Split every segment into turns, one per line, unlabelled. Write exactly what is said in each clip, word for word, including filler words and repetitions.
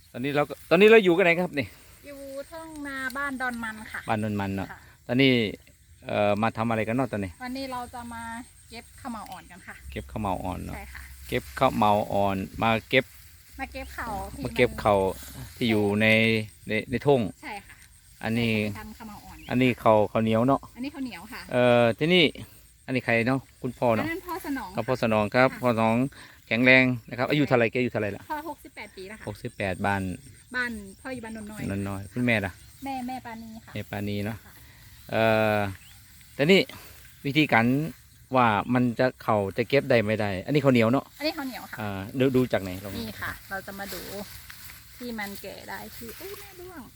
ตอนนี้เราก็ตอนนี้เราอยู่กันไหนครับนี่
อยู่ทุ่งนาบ้านดอนมันค่ะ
บ้านนนมันเนาะ
ค่ะ
ตอนนี้เอ่อมาทำอะไรกันเนาะตอนนี้
วันนี้เราจะมาเก็บข้าวเหมาอ่อนกันค่ะ
เก็บข้าวเมาอ่อนเนาะ
ใช่ค่ะ
เก็บข้าวเมาอ่อนมาเก็บ
มาเก็บเขาที่
มาเก็บเขาที่อยู่ในในในทุ่ง
ใช่ค่ะ
อันนี้
ทำข้าวเหมาอ่อน
อันนี้เขาเขาวเหนียวเนาะ
อันนี้ข้าวเหนียวค่ะ
เอ่อที่นี่อันนี้ใครเนาะคุณพ่อ
อัน
เนาะ
นั้นพ่อสนอง
ครับพ่อสนองครับพ่อสนองแข็งแรงนะครับอายุเท่าไหรแกอายุเท่าไหรละ
พ่อหกสิบแปดปีแล้วค่ะ
หกสิบแปดบ้าน
บ้านพ่ออยู่บ้านนนน้อย
นนน้อยคุณแม่ล่ะ
แม่แม่ปานีค่ะ
แม่ปานีเนาะเอ่อแต่นี่วิธีการว่ามันจะเขาจะเก็บได้ไม่ได้ อันนี้เขาวเหนียวเนาะ
อันนี้ข้าวเหนียวค่ะ
อ่าดูดูจากไหนลอง
นี่ค่ะ เราจะมาดูที่มันแก่ได้ที่อุ้ยแม่ด้วง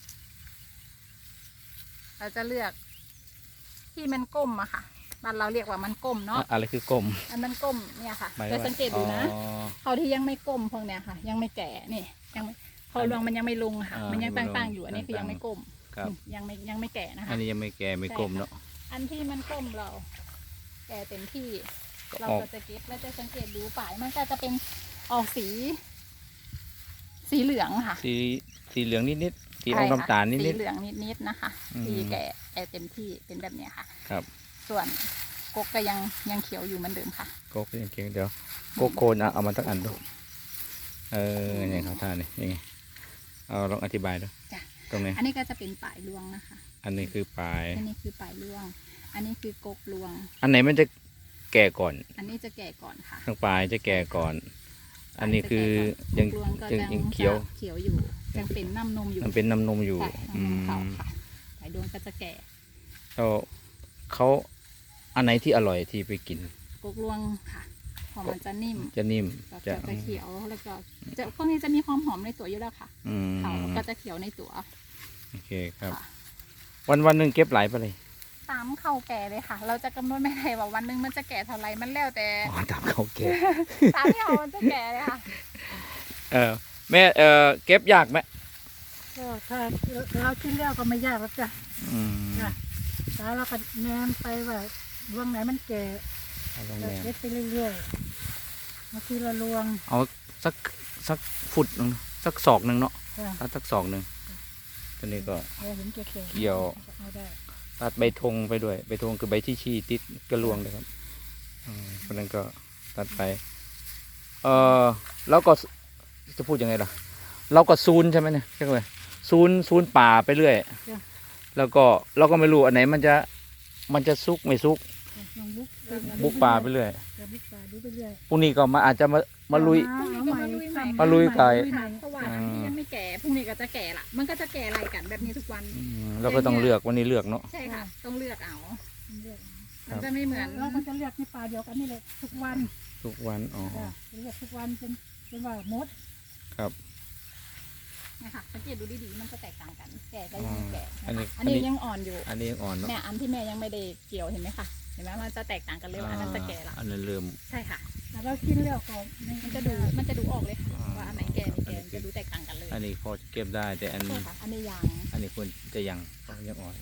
เราจะเลือกที่มันก้มอะค่ะบ้านเราเรียกว่ามันก้มเนาะ
อะอะไรคือกลม
อันมันก้มเนี่ยค่ะ
หมาย
จะ
ว่า
สังเกตดูนะ
อ๋อ
เขาที่ยังไม่ก้มพวกเนี้ยค่ะ ยังไม่แก่นี่ยังไม่พอรวงมันยังไม่ลงค่ะ
อ่ามั
มันยัง
ยังไม่ลง
ตั้งๆอยู่อันนี้คือยังไม่ก้ม
ครับ
ยังไม่ยังไม่แก่นะคะ
อันนี้ยังไม่แก่ไม่กลมเนาะ
อันที่มันก้มเรา แก่เต็มที่
ก็
เรา
ออก
ก็จะเก็บแล้วจะสังเกตดูป่ายมันก็จะเป็นออกสี สีเหลืองค่ะ
สีสีเหลืองนิดๆสีอ
ใช่
อก
ค่ะ
น้ำตาลนิ
สี
ด
เหลืองนิดๆนะคะ
อืม
สีแก่แก่เต็มที่เป็นแบบเนี้ยค่ะ
ๆครับ
ส่วนกกก็ยังยังเขียวอยู่เหมือนเดิมค่ะ
โกกยังเก่งเดี๋ยวโกโคนอ่ะเอามาตั้งอันดูเอออย่างเขาท่านี่ยังไงเอาลองอธิบายดู
จ้ะ
ตรงไหน
อันนี้ก็จะเป็นป่ายรวงนะคะ
อันนี้คือปลาย
อันนี้คือป่ายรวง อันนี้คือกกรวง
อันไหนมันจะแก่ก่อน
อันนี้จะแก่ก่อนค่ะ
ทางปลายจะแก่ก่อน อันนี้คือยัง
กกรวงก็
ยัง
ยัง
ยังเขียว
เขียวอยู่ยังเป็นน้ำนมอยู่
มันเป็นน้ำนมอยู่
ค่ะ
อื
น้ำนมเขา
ม
ค่ะป่ายรวงก็จะแก่
แล้วเขาอันไหนที่อร่อยที่ไปกิน
กกรวงค่ะหอมมันจะนิ่ม
จะนิ่ม
แล้ว
จะ
ก็จะเขียวแล้วก็จะพวกนี้จะมีความหอมในตัวอยู่แล้วค่ะ
อืม
เขาก็จะเขียวในตัว
โอเคครับ
ค่ะ
วันวันหนึ่งเก็บหลายไปเลย
ตามเข้าแก่เลยค่ะ เราจะกำหนดไม่ได้ว่าวันหนึงมันจะแก่เท่าไหรมันแล้วแต่
อ๋อตามเขาเก็บ
ตามที่เขามันจะแก่เลยค่ะ
เออแม่เออเก็บยากไหม
ก็ถ้าเรากินแล้วก็ไม่ยากแล้วจ้ะ
อืม
จ้ะแต่เราก็แนมไปว่าลวงไหนมันแก่
เอาลง
ก็
แนม
เล็ดไปเรื่อยๆบางทีละลวง
เอาสักสักฟุตหนึ่งสักศอกหนึ่งเนาะ
จ้ะ
ตัดสักศอกหนึ่งตัวนี้ก็
เราเห็นแก่ๆ
เกี่ยว
เอาได้
ตัดใบธงไปด้วยใบธงคือใบที่ชี้ติดกระลวงเลยครับอืมเพราะนั้นก็ตัดไป เออแล้วก็จะพูดยังไงล่ะ เราก็ซูนใช่ไหมเนี่ยใช่ไหมซูนซูนป่าไปเรื่อย แล้วก็เราก็ไม่รู้อันไหนมันจะมันจะซุกไม่ซุก
ลองบุก
บุกป่าไปเรื่อย
บุกป่าดูไปเรื่อย
พรุ่งนี้ก็มาอาจจะมามาลุย
พรุ่งนี้ก็มาลุยใหม่
มาลุยไก่
ค่ะเพราะว่าอันที่ยังไม่แก่พรุ่งนี้ก็จะแก่ละมันก็จะแก่อะไรกันแบบนี้ทุกวัน
อืมเราก็ต้องเลือกวันนี้เลือกเนาะ
ใช่ค่ะ ต้องเลือกเอา
เรื่อย
มันจะไม่เหมือน
เราก็จะเลือกในป่าเดียวกันนี่แหละทุกวัน
ทุกวันอ๋อ
จ้ะเลือกทุกวันเป็นเป็นว่ามด
ครับ
นะคะสังเกตดูดีๆมันจะแตกต่างกัน แก่ก็ยังไม่แก่
อันนี้
นะคะอันนี้ยังอ่อนอยู่
อันนี้ยังอ่อนเนาะ
แม่อันที่แม่ยังไม่ได้เกี่ยวเห็นไหมคะเห็นไหมมันจะแตกต่างกันเลยว่าอันนั้นจะแก่ละ
อันนั้นเริ่ม
ใช่ค่ะ
แต่เรากินแล้วก็
มันจะดูมันจะดูออกเลยค่ะ
อ่า
ว่าอันไหนแก่ไม่แก่มันจะดูแตกต่างกันเลย
อันนี้พอจะเก็บได้ แต่อัน
ใช่ค่ะอันนี้ยัง
อันนี้ควรจะยังยังอ่อน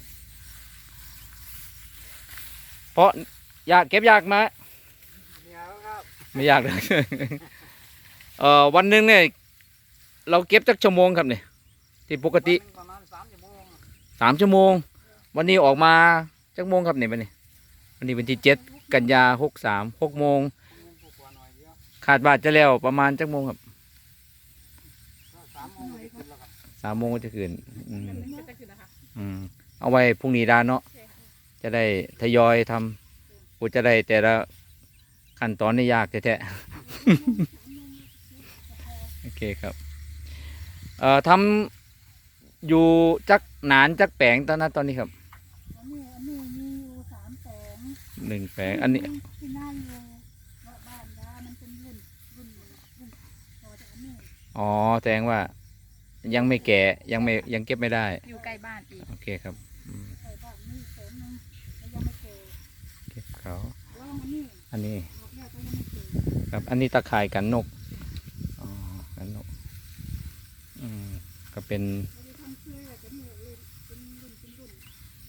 เพราะอยากเก็บยากไหมไม่ยากเลย เอ่อวันหนึ่งเนี่ยเราเก็บจักชั่วโมงครับเนี่ยที่ปกติ
ประมาณสามชั่วโมง
สามชั่วโมง วันนี้ออกมาจักโมงครับเนี่ยวันนี้วันนี้เป็นที่เจ็ดกันยาหกสามหกโมง
กว่าหน่อยเดียว
ขาดบาทจะแล้วประมาณจักโมงครับ
ก็สามโมงก็ได้ขึ้นแล้วครับ
สามโมงก็จะขึ้นอืม
ก็จะคือนะคะ
อืมเอาไว้พรุ่งนี้ได้เนาะจะได้ทยอยทำกูจะได้แต่ละขั้นตอนนี่ยากแท้ๆ โอเคครับเอ่อทำอยู่จักหนานจักแปลงตอนนั้นตอนนี้ครับ
อันนี้อันนี้มีอยู่สามแสน
หนึ่งแปลงอันนี้
ที่หน้าอยู่ว่าบ้านดามันเป็นรุ่นรุ่นรุ่นพอจากอันนี้
อ๋อแสดงว่ายังไม่แก่ยังไม่ยังเก็บไม่ได้
อยู่ใกล้บ้านอีก
โอเคครับอืม
ใส่บ้านนี่แสนหนึงแล้วยังไม่เก่
เก็บเขา
แล้วอันนี้
อันนี้
ดอกแรกก็ยังไม่เก่
ครับอันนี้ตะข่ายกันนกอ๋อกันนกอืมก็เป็น
เราจะทำเสื้อจะนี่เลยเป็นรุ่นเป็นรุ่น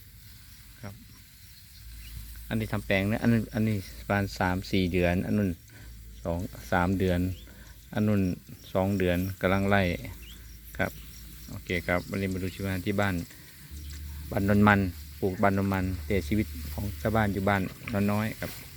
อันนี้ทำแปลงนะอันนั้นอันนี้ประมาณสามสี่เดือน อันนู้นสองสามเดือน อันนู้นสองเดือนกำลังไล่ครับโอเคครับวันนี้มาดูชีวิตที่บ้านบ้านนนมันปลูกบ้านนนมันแต่ชีวิตของชาวบ้านอยู่บ้านนนน้อยครับ